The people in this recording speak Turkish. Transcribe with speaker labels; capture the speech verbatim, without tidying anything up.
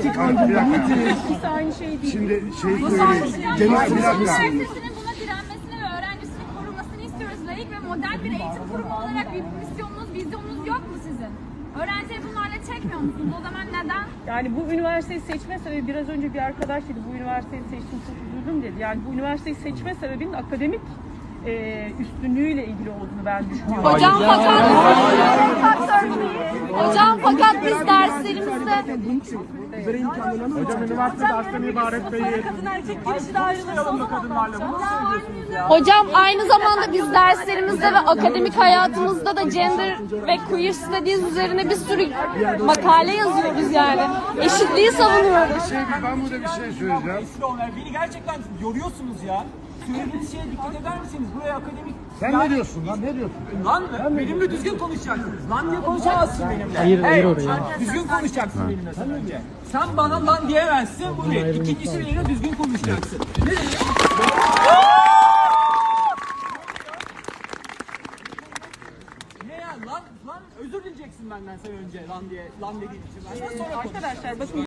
Speaker 1: demokratik aydınlanma nedir?
Speaker 2: İkisi aynı şey değil.
Speaker 3: Şimdi şey söyleyeyim. Genel bir dakika.
Speaker 4: Üniversitesinin buna direnmesini ve öğrencisinin korunmasını istiyoruz. Layık ve modern bir eğitim kurumu olarak bir misyonunuz, vizyonunuz yok mu sizin? Öğrencileri bunlarla çekmiyor musunuz? O zaman neden?
Speaker 2: Yani bu üniversiteyi seçme sebebi, biraz önce bir arkadaş dedi, bu üniversiteyi seçtim çok üzüldüm dedi. Yani bu üniversiteyi seçme sebebinin akademik e, üstünlüğüyle ilgili olduğunu ben düşünüyorum.
Speaker 5: Hocam fakat Hocam fakat biz derslerimizde
Speaker 1: Hocam üniversitede aslında ibaret değil.
Speaker 2: Kadın erkek girişi de ayrılırsa kadınlarla bunu söylüyorsunuz ya.
Speaker 5: Hocam aynı zamanda biz derslerimizde ve akademik hayatımızda da gender ve queer studies üzerine bir sürü makale yazıyoruz yani. Eşitliği savunuyoruz.
Speaker 3: Şey, ben burada bir şey söyleyeceğim.
Speaker 6: Beni gerçekten yoruyorsunuz ya. Söylediğiniz şeye dikkat eder misiniz? Buraya akademik...
Speaker 3: Sen ne diyorsun lan? Ne diyorsun?
Speaker 6: Lan mı? Benimle düzgün konuşacaksınız. Lan diye konuşamazsın benimle.
Speaker 1: Hayır, hayır
Speaker 6: Hey,
Speaker 1: oraya.
Speaker 6: düzgün konuşacaksın benimle sen önce. Sen bana lan diyemezsin. Bu bir. İkincisi benimle düzgün konuşacaksın. Ne demek? Ne ya lan? Lan özür dileyeceksin benden sen önce lan diye. Lan dediğin için. Benden sonra konuş.
Speaker 2: Arkadaşlar bakın